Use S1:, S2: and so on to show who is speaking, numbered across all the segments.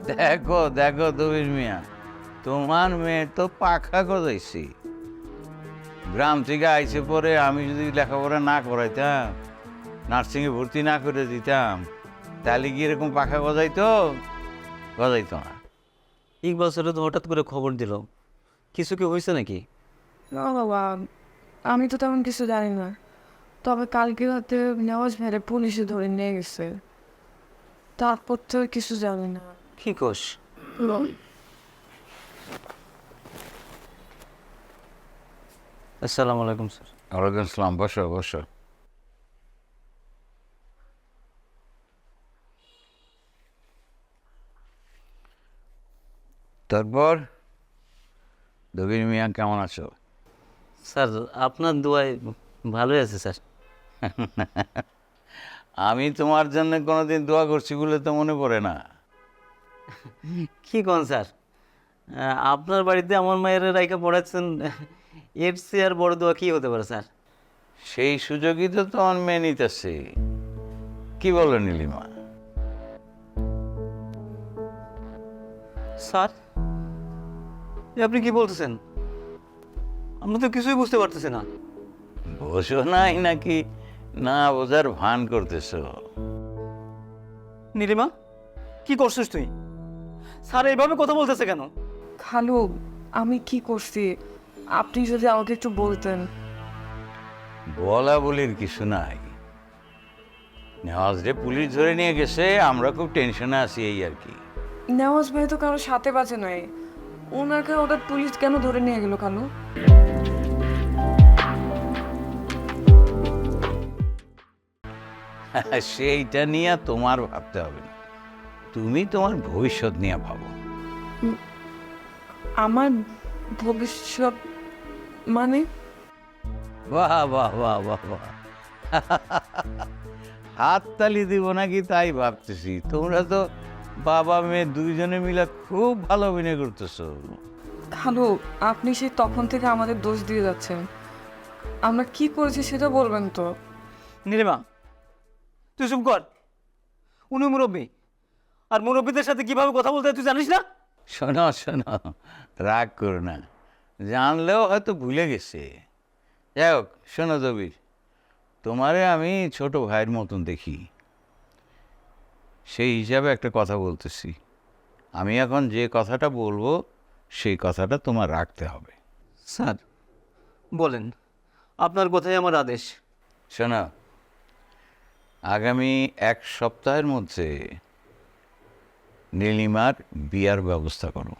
S1: দেখো দেখো দবির মিয়া, তোমার মেয়ে তো পাখা গজাইছি। গ্রাম থেকে আইসে পরে আমি যদি লেখাপড়া না করাইতাম, নার্সিংয়ে ভর্তি না করে দিতাম, তাহলে কি এরকম পাখা গজাইতো? গজাইতো না।
S2: ইকবাল স্যার তো হঠাৎ করে খবর দিল, কিছু কি হয়েছে নাকি?
S3: না বাবা, আমি তো তেমন কিছু জানি না। তবে কালকে রাতে নেওয়াজ ভাইরে পুলিশে ধরে নিয়ে গেছে, তারপর তো আর কিছু জানি না।
S2: কি কোষ? আসসালামু আলাইকুম স্যার।
S1: ওয়ালাইকুম আসসালাম, বসো বসো। তারপর দবির মিয়া কেমন আছো?
S2: স্যার আপনার দোয়ায় ভালোই আছে স্যার।
S1: আমি তোমার জন্য কোনোদিন দোয়া করছি বলে তো মনে পড়ে না।
S2: কি কোন স্যার, আপনার বাড়িতে আমার মায়ের রাইকা পড়াচ্ছেন, এর চেয়ে আর বড় দোয়া কি হতে পারে স্যার?
S1: সেই সুযোগই তো তোমার মেয়ে নিতেছে। কি বলো নীলিমা?
S2: স্যার আপনি কি বলতেছেন? আমরা তো কিছুই বুঝতে পারতেছি না।
S1: বোঝো নাই নাকি না বোঝার ভান করতেছো?
S2: নীলিমা, কি করছিস তুই? স্যার এইভাবে কথা বলতেছে কেন?
S3: খালু, আমি কি করছি আপনি যদি আমাকে একটু বলতেন।
S1: বলা বলির কিছু নাই। নেওয়াজ রে পুলিশ ধরে নিয়ে গেছে, আমরা খুব টেনশনে আছি এই আর কি।
S3: নেওয়াজ ভাই তো কারোর সাথে বাজে নাই, ওনাকে ওটা পুলিশ কেন ধরে নিয়ে গেল খালু?
S1: সেইটা নিয়ে তোমার ভাবতে হবে না, তুমি তোমার ভবিষ্যৎ নিয়ে ভাবো।
S3: আমার ভবিষ্যৎ মানে?
S1: বাহ বাহ বাহ বাহ বাহ, হাততালি দিব নাকি তাই ভাবতেছি। তোমরা তো বাবা মেয়ে দুইজনে মিলে খুব ভালো অভিনয় করতেছো।
S3: খালু, আপনি সেই তখন থেকে আমাদের দোষ দিয়ে যাচ্ছেন। আমরা কি করেছি সেটা বলবেন তো?
S2: নীলিমা তুই চুপ কর, উনি মুরব্বী, আর মুরব্বীদের সাথে কিভাবে কথা বলতে হয় তুই জানিস না?
S1: শোনো শোনো, রাগ করো না, জানলেও হয়তো ভুলে গেছে। যাই হোক, শোনো দবির, তোমারে আমি ছোট ভাইয়ের মতন দেখি, সেই হিসাবে একটা কথা বলতেছি। আমি এখন যে কথাটা বলবো সেই কথাটা তোমার রাখতে হবে।
S2: স্যার বলেন, আপনার কথাই আমার আদেশ।
S1: শোনো, আগামী এক সপ্তাহের মধ্যে নীলিমার বিয়ার ব্যবস্থা করো।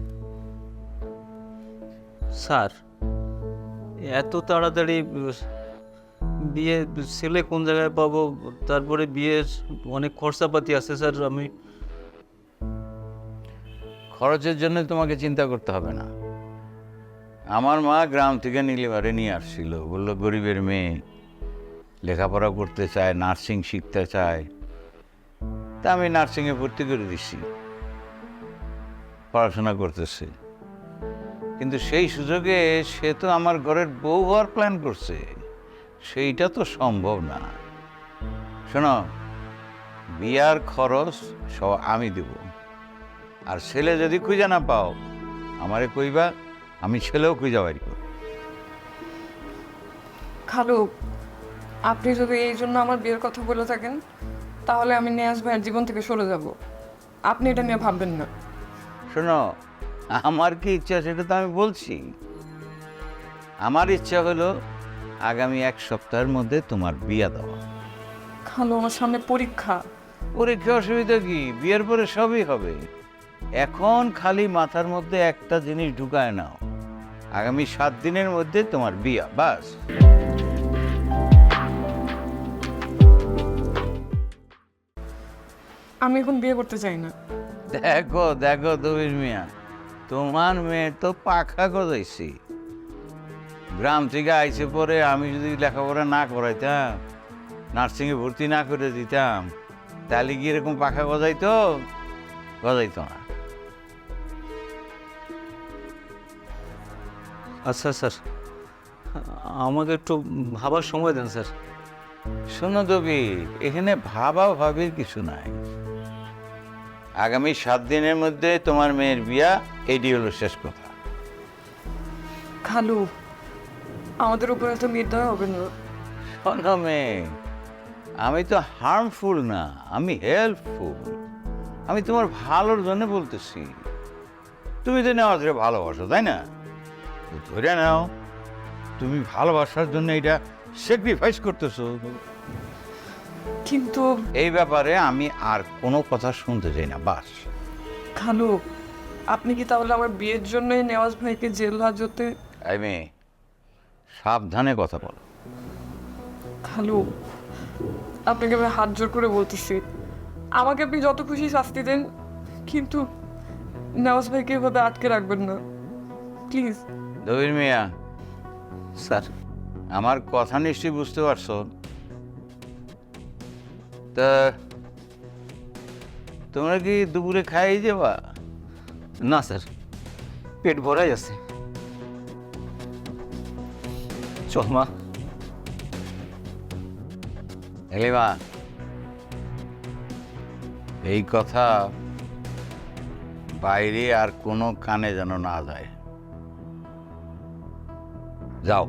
S2: স্যার এত তাড়াতাড়ি বিয়ে, ছেলে কোন জায়গায় পাবো, তারপরে বিয়ের অনেক খরচাপাতি আছে স্যার। আমি
S1: খরচের জন্য তোমাকে চিন্তা করতে হবে না। আমার মা গ্রাম থেকে নীলিমারে নিয়ে আসছিল, বললো গরিবের মেয়ে, লেখাপড়া করতে চায়, নার্সিং শিখতে চায়, তা আমি নার্সিংয়ে ভর্তি করে দিছি, পড়াশোনা করতেছে। কিন্তু সেই সুযোগে সে তো আমার ঘরের বউ হওয়ার প্ল্যান করছে, সেইটা তো সম্ভব না। শোনো, বিয়ার খরচ সব আমি দেব, আর ছেলে যদি খুঁজে না পাও আমারে কইবা, আমি ছেলেও খুঁজে বাড়ি করব।
S3: খালু, আপনি যদি এই জন্য আমার বিয়ের কথা বলে থাকেন, তাহলে আমি নেয়াজ ভাইয়ের জীবন থেকে সরে যাব। আপনি এটা নিয়ে ভাববেন না।
S1: শোনো, আমার কি ইচ্ছা সেটা তো আমি বলছি। আমার ইচ্ছা হলো আগামী এক সপ্তাহের মধ্যে তোমার বিয়া দেওয়া।
S3: খালু, আমার সামনে পরীক্ষা।
S1: পরীক্ষা অসুবিধা কি, বিয়ের পরে সবই হবে। এখন খালি মাথার মধ্যে একটা জিনিস ঢুকায় নাও, আগামী 7 দিনের মধ্যে তোমার বিয়া, বাস।
S3: আমি এখন বিয়ে করতে চাই না।
S1: দেখো দেখো দবির মিয়া, তোমার মেয়ে তো পাখা গজাইছি। গ্রাম থেকে আইসে পরে আমি যদি লেখাপড়া না করাইতাম, নার্সিংয়ে ভর্তি না করে দিতাম, তাহলে কি এরকম পাখা গজাইতো? গজাইতো না।
S2: আচ্ছা স্যার, আমাকে একটু ভাবার সময় দেন স্যার।
S1: শোনো দবি, এখানে ভাবা ভাবির কিছু নাই। আগামী 7 দিনের মধ্যে তোমার মেয়ের বিয়া, এটি হলো শেষ কথা।
S3: খালু, আমাদের উপরে তো নির্দয় হবে না।
S1: শোনো মেয়ে, আমি তো হার্মফুল না, আমি হেল্পফুল। আমি তোমার ভালোর জন্য বলতেছি। তুমি তো নেওয়া ধরে ভালোবাসো, তাই না? তো ধরে নাও, তুমি ভালোবাসার জন্য এটা স্যাক্রিফাইস করতেছো।
S3: কিন্তু
S1: এই ব্যাপারে আমি আর কোনো কথা শুনতে চাই না, বাস।
S3: খালু, আপনি কি তাহলে আমার বিয়ের জন্যই নেওয়াজ ভাইকে জেল হাজতে?
S1: এই মেয়ে, সাবধানে কথা বলো।
S3: খালু, আপনাকে আমি হাত জোর করে বলতেছি, আমাকে আপনি যত খুশি শাস্তি দেন, কিন্তু নেওয়াজ ভাইকে এভাবে আটকে রাখবেন না, প্লিজ।
S1: দবির মিয়া,
S2: স্যার,
S1: আমার কথা নিশ্চয়ই বুঝতে পারছো। তা তোমরা কি দুপুরে খাই যাবা?
S2: না স্যার, পেট ভরাই আছে। চল মা।
S1: এলিমা, এই কথা বাইরে আর কোনো কানে যেন না যায়। যাও।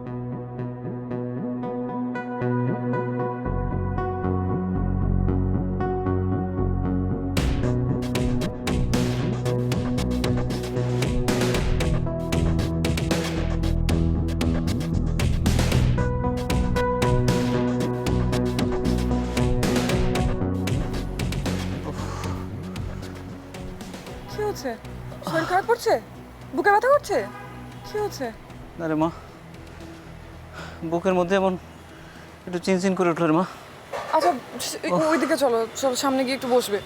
S3: কি হচ্ছে? শরীর খারাপ করছে? বুকে ব্যথা করছে? কি হচ্ছে?
S2: না রে মা, বুকের মধ্যে এমন একটু চিনচিন করে উঠলো রে মা।
S3: আচ্ছা, ওইদিকে চলো, চলো সামনে গিয়ে একটু বসবে।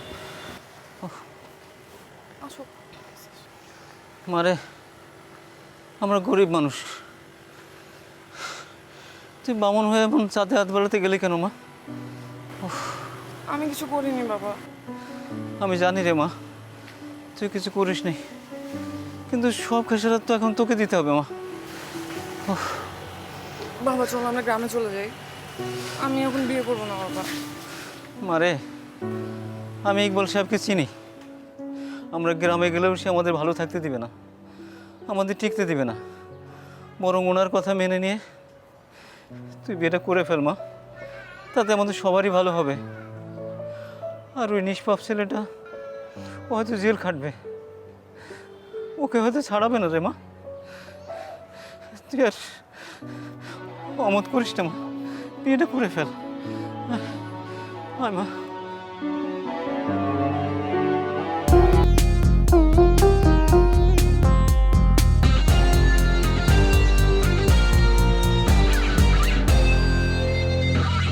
S3: আসো।
S2: মারে, আমরা গরিব মানুষ, তুই বামন হয়ে এমন চাঁদে হাত বেড়াতে গেলি কেন মা?
S3: আমি কিছু করিনি বাবা।
S2: আমি জানি রে মা, তুই কিছু করিস নি, কিন্তু সব খেসারত তো এখন তোকে দিতে হবে মা।
S3: বাবা চলো আমরা গ্রামে চলে যাই, আমি এখন বিয়ে করবো না বাবা।
S2: মারে, আমি ইকবাল সাহেবকে চিনি, আমরা গ্রামে গেলেও সে আমাদের ভালো থাকতে দিবে না, আমাদের টিকতে দিবে না। বরং ওনার কথা মেনে নিয়ে তুই বিয়েটা করে ফেল মা, তাতে আমাদের সবারই ভালো হবে। আর ওই নিষ্পাপ ছেলেটা ও হয়তো জেল খাটবে, ওকে হয়তো ছাড়াবে না রে মা। তুই আর অমত করিস না মা, বিয়েটা করে ফেল। আয় মা।